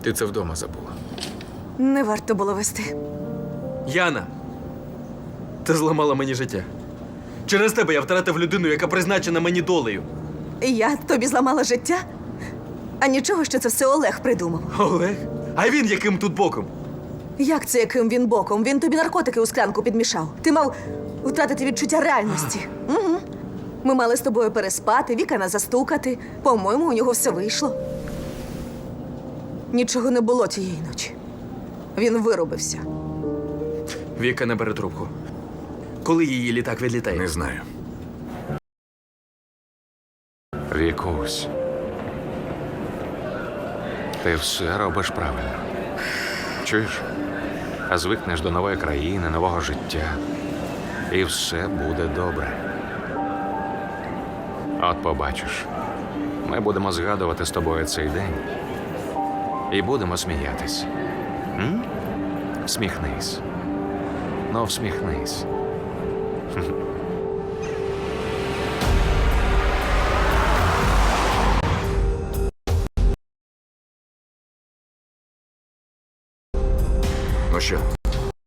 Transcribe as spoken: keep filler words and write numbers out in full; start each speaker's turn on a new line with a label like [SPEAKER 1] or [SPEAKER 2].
[SPEAKER 1] Ти це вдома забула.
[SPEAKER 2] Не варто було вести.
[SPEAKER 3] Яна, ти зламала мені життя. Через тебе я втратив людину, яка призначена мені долею.
[SPEAKER 2] Я тобі зламала життя? А нічого, що це все Олег придумав.
[SPEAKER 3] Олег? А він яким тут боком?
[SPEAKER 2] Як це яким він боком? Він тобі наркотики у склянку підмішав. Ти мав втратити відчуття реальності. Угу. Ми мали з тобою переспати, Віка застукати. По-моєму, у нього все вийшло. Нічого не було тієї ночі. Він виробився.
[SPEAKER 3] Віка не бере трубку. Коли її літак відлітає?
[SPEAKER 1] Не знаю.
[SPEAKER 4] Вікусь, ти все робиш правильно. Чуєш? А звикнеш до нової країни, нового життя. І все буде добре. От побачиш, ми будемо згадувати з тобою цей день. І будемо сміятись. М? Всміхнись. Ну, всміхнись.
[SPEAKER 1] Ну що,